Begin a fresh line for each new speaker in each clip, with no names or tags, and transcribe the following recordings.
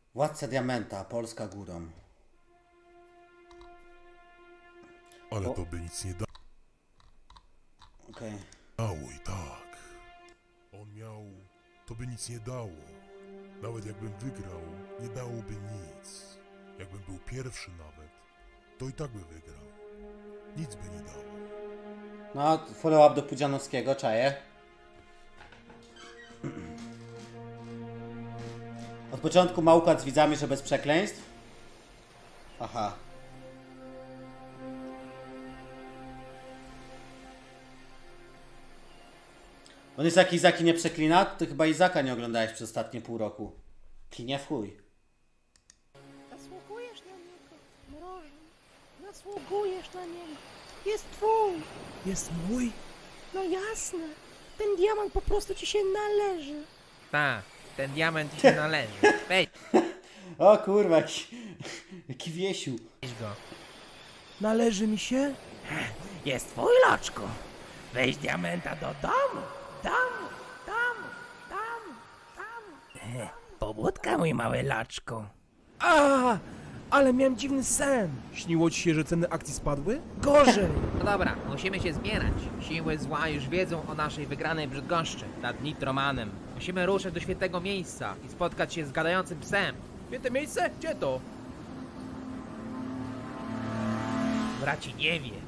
Władca Diamenta, Polska górą.
Ale
O.
to by nic nie
Okej.
dało i tak. On miał... To by nic nie dało. Nawet jakbym wygrał, nie dałoby nic. Jakbym był pierwszy nawet, to i tak by wygrał. Nic by nie dało.
No, follow up do Pudzianowskiego, czaję. Od początku ma układ z widzami, że bez przekleństw. Aha. On jest jak Izaki nie przeklina? Ty chyba Izaka nie oglądałeś przez ostatnie pół roku. Klinie w chuj.
Zasługujesz na niego, mrożę. Zasługujesz na niego. Jest twój.
Jest mój?
No jasne. Ten diamant po prostu ci się należy.
Tak, ten diament ci się należy. Weź
O kurwa, jaki wiesiu.
go.
Należy mi się?
Jest twój, loczku. Weź diamenta do domu. Pobudka, mój mały loczku.
A, ale miałem dziwny sen. Śniło ci się, że ceny akcji spadły? Gorzej.
No dobra, musimy się zbierać. Siły zła już wiedzą o naszej wygranej w Brzydgoszczy nad Nitromanem. Musimy ruszyć do świętego miejsca i spotkać się z gadającym psem.
Święte miejsce? Gdzie to?
Braci nie wie.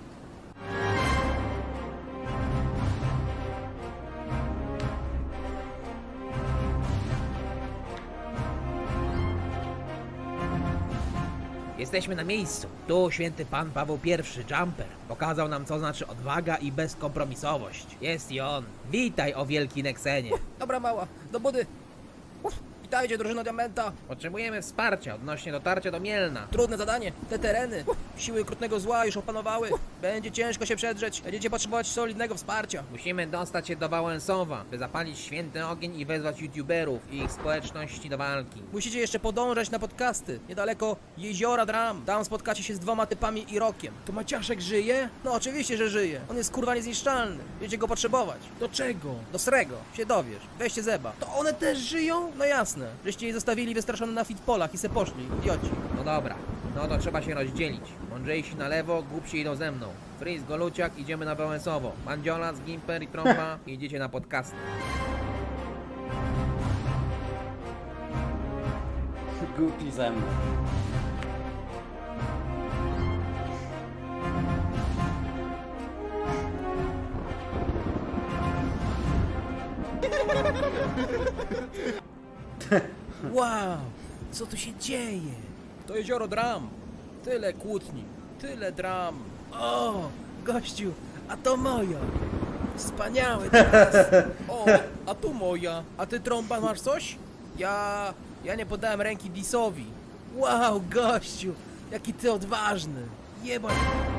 Jesteśmy na miejscu. Tu święty pan Paweł I, Jumper, pokazał nam, co znaczy odwaga i bezkompromisowość. Jest i on. Witaj, o wielki Nexenie.
Dobra mała, do budy. Witajcie, drużyno Diamenta.
Potrzebujemy wsparcia odnośnie dotarcia do Mielna.
Trudne zadanie. Te tereny. Siły okrutnego zła już opanowały. Będzie ciężko się przedrzeć. Będziecie potrzebować solidnego wsparcia.
Musimy dostać się do Wałęsowa, by zapalić święty ogień i wezwać youtuberów i ich społeczności do walki.
Musicie jeszcze podążać na podcasty. Niedaleko Jeziora Dram. Tam spotkacie się z 2 typami i Rokiem. To Maciaszek żyje? No oczywiście, że żyje. On jest kurwa niezniszczalny. Będziecie go potrzebować. Do czego? Do srego. Się dowiesz. Weźcie zeba. To one też żyją? No jasne. Żeście je zostawili wystraszone na fitpolach i se poszli. Idioci.
No dobra, no to trzeba się rozdzielić. Mądrzejsi na lewo, głupsi idą ze mną. Freeze, Goluciak, idziemy na Wałęsowo. Mandziola, Gimper i Trąba idziecie na podcasty.
Głupi ze mną.
Wow, co tu się dzieje? To Jezioro Dram. Tyle kłótni, tyle dram. O, gościu, a to moja. Wspaniały teraz. O, a tu moja. A ty, Trąba, masz coś? Ja nie podałem ręki Disowi. Wow, gościu, jaki ty odważny. Jebać.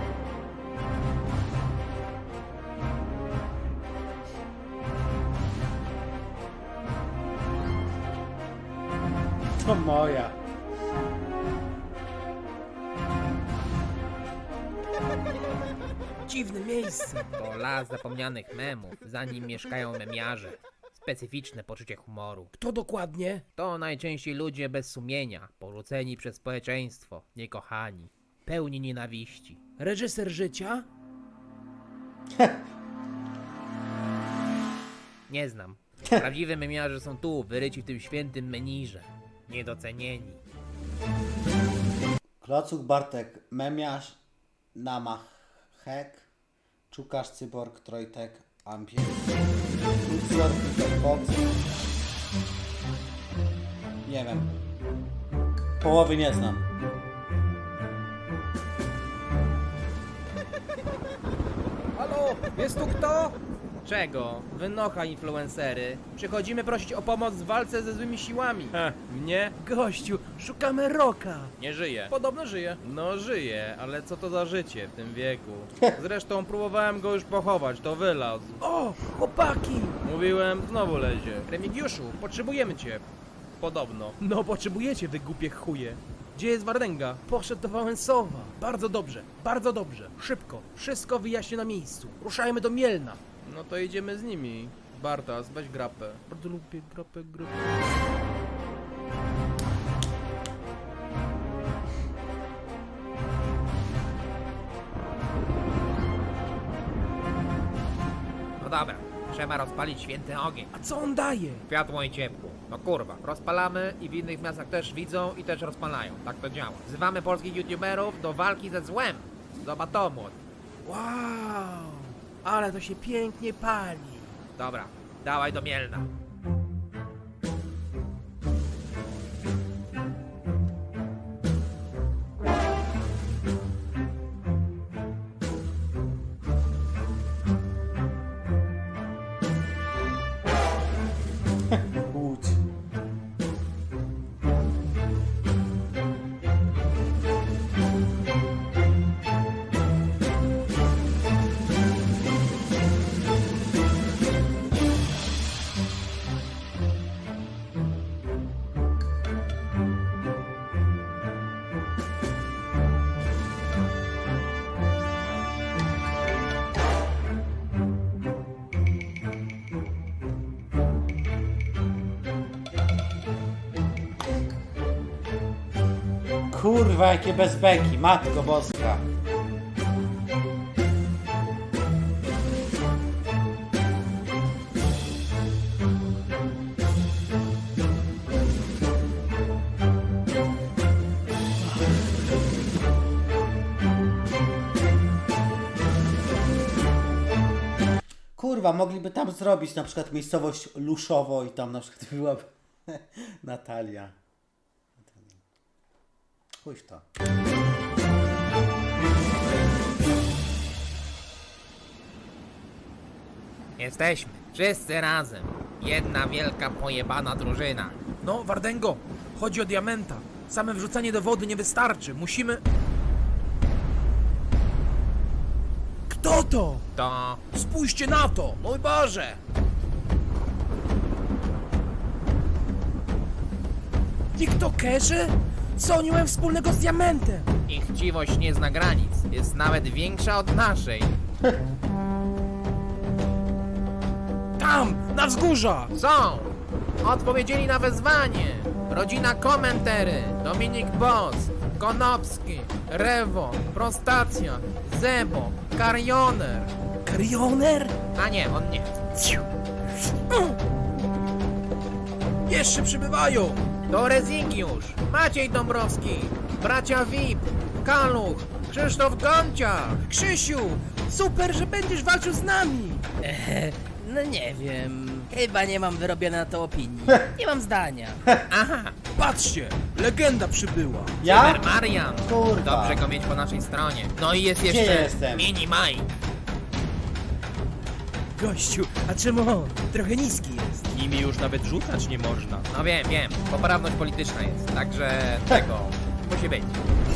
To moja.
Dziwne miejsce.
To las zapomnianych memów, za nim mieszkają memiarze. Specyficzne poczucie humoru.
Kto dokładnie?
To najczęściej ludzie bez sumienia, porzuceni przez społeczeństwo, niekochani, pełni nienawiści.
Reżyser życia?
Nie znam. Prawdziwe memiarze są tu, wyryci w tym świętym menirze. Niedocenieni.
Klocuch, Bartek, Memiarz, Namachek, Czukasz, Cyborg, Trojtek, Ampier, Lucior, Peter Fox. Nie wiem. Połowy nie znam.
Halo, jest tu kto?
Czego? Wynocha influencery.
Przychodzimy prosić o pomoc w walce ze złymi siłami. Mnie? Gościu, szukamy Roka.
Nie żyje.
Podobno żyje.
No żyje, ale co to za życie w tym wieku? Zresztą próbowałem go już pochować, to wylazł.
O, chłopaki!
Mówiłem, znowu lezie.
Remigiuszu, potrzebujemy cię.
Podobno.
No, potrzebujecie, wy głupie chuje. Gdzie jest Wardęga? Poszedł do Wałęsowa. Bardzo dobrze, bardzo dobrze. Szybko, wszystko wyjaśnię na miejscu. Ruszajmy do Mielna.
No to idziemy z nimi. Bartas, weź grapę.
Bardzo lubię grapę.
dobra, trzeba rozpalić święty ogień.
A co on daje?
Światło i ciepło. No kurwa, rozpalamy i w innych miastach też widzą i też rozpalają. Tak to działa. Wzywamy polskich youtuberów do walki ze złem. Zobacz to, młody.
Wow, ale to się pięknie pali.
Dobra, dawaj do Mielna.
Łódź. Kurwa, jakie bezbeki, matko boska. Kurwa, mogliby tam zrobić na przykład miejscowość Luszowo i tam na przykład byłaby Natalia. Chuj w to.
Jesteśmy. Wszyscy razem. Jedna wielka pojebana drużyna.
No, Wardengo, chodzi o diamenta. Same wrzucanie do wody nie wystarczy. Musimy... Kto to?
To...
Spójrzcie na to! Mój Boże! TikTokerzy? Co oni mają wspólnego z diamentem?
Ich chciwość nie zna granic. Jest nawet większa od naszej.
Tam, na wzgórza!
Są! Odpowiedzieli na wezwanie. Rodzina Komentery, Dominik Boss, Konopski, Rewo, Prostacja, Zebo, Karioner.
Karioner?
A nie, on nie.
Jeszcze przybywają!
To Rezygiusz, Maciej Dąbrowski, bracia VIP, Kaluch, Krzysztof Gonciarz.
Krzysiu! Super, że będziesz walczył z nami!
No nie wiem. Chyba nie mam wyrobionej na to opinii. Nie mam zdania.
Aha,
Patrzcie! Legenda przybyła!
Ja?
Super Marian.
Kurwa.
Dobrze go mieć po naszej stronie. No i jest
Gdzie
jeszcze
jestem?
Mini Mike.
Gościu, a czemu on? Trochę niski jest.
Nimi już nawet rzucać nie można.
No wiem, poprawność polityczna jest, także tego musi być.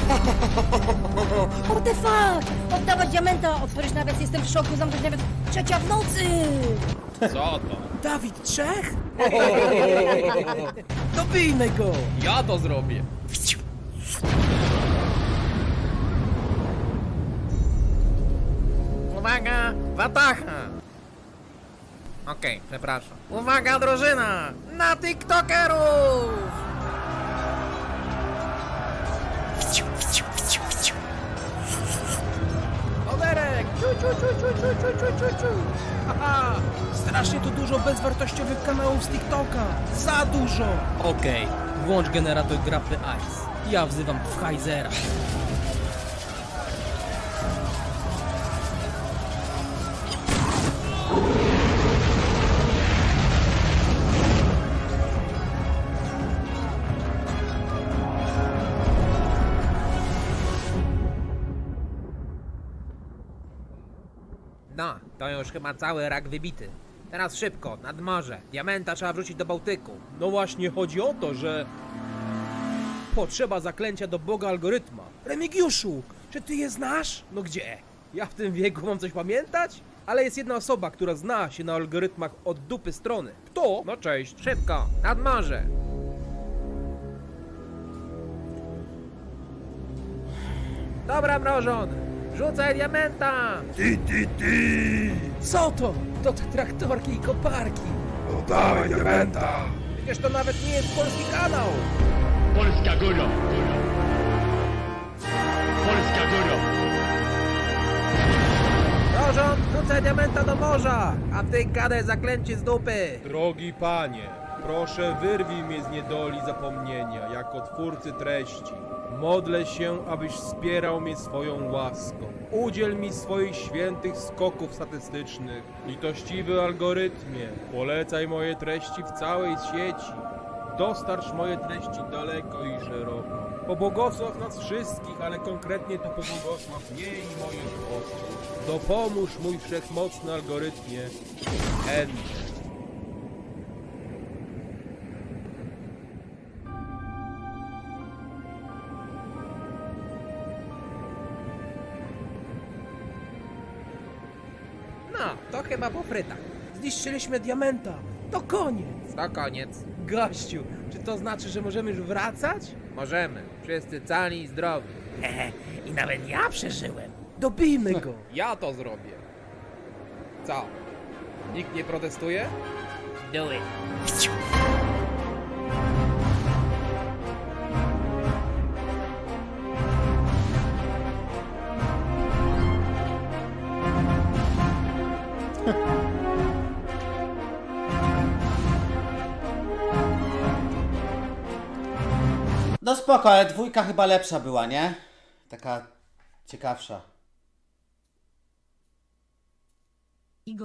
What the fuck? Oddawać diamenta! Otworzyć nawias, jestem w szoku, zamknąć nawet 3 w nocy!
Co to?
Dawid Trzech? Dobijmy go!
Ja to zrobię.
Uwaga, Watacha! Okej, przepraszam. Uwaga, drużyna! Na TikTokerów!
Oberek! Ciu, ciu, ciu, ciu, ciu, ciu, ciu, ciu, ciu. Haha! Strasznie tu dużo bezwartościowych kanałów z TikToka! Za dużo!
Okej, włącz generator grapy Ice. Ja wzywam Pfizera.
No, to już chyba cały rak wybity. Teraz szybko, nad morze. Diamenta trzeba wrzucić do Bałtyku.
No właśnie chodzi o to, że... Potrzeba zaklęcia do Boga algorytma. Remigiuszu, czy ty je znasz? No gdzie? Ja w tym wieku mam coś pamiętać? Ale jest jedna osoba, która zna się na algorytmach od dupy strony. Kto?
No cześć.
Szybko, nad morze. Dobra, mrożon, rzucaj diamenta!
Co to? To te traktorki i koparki.
Przecież to nawet nie jest polski kanał!
Polska góra! Polska góra!
Mrożon, rzucaj Wrzucaj diamenta do morza, a ty gadaj zaklęcie z dupy.
Drogi panie, proszę wyrwij mnie z niedoli zapomnienia, jako twórcy treści. Modlę się, abyś wspierał mnie swoją łaską. Udziel mi swoich świętych skoków statystycznych. Litościwy algorytmie, polecaj moje treści w całej sieci. Dostarcz moje treści daleko i szeroko. Pobłogosław nas wszystkich, ale konkretnie to pobłogosław mnie i moich osób. Dopomóż mój wszechmocny algorytmie. Enter.
No, to chyba po frytach.
Zniszczyliśmy diamenta. To koniec.
To koniec.
Gościu, czy to znaczy, że możemy już wracać?
Możemy. Wszyscy cali i zdrowi.
Hehe, i nawet ja przeżyłem.
Dobijmy go.
Ja to zrobię. Co? Nikt nie protestuje?
Do it.
No spoko, ale dwójka chyba lepsza była, nie? Taka ciekawsza.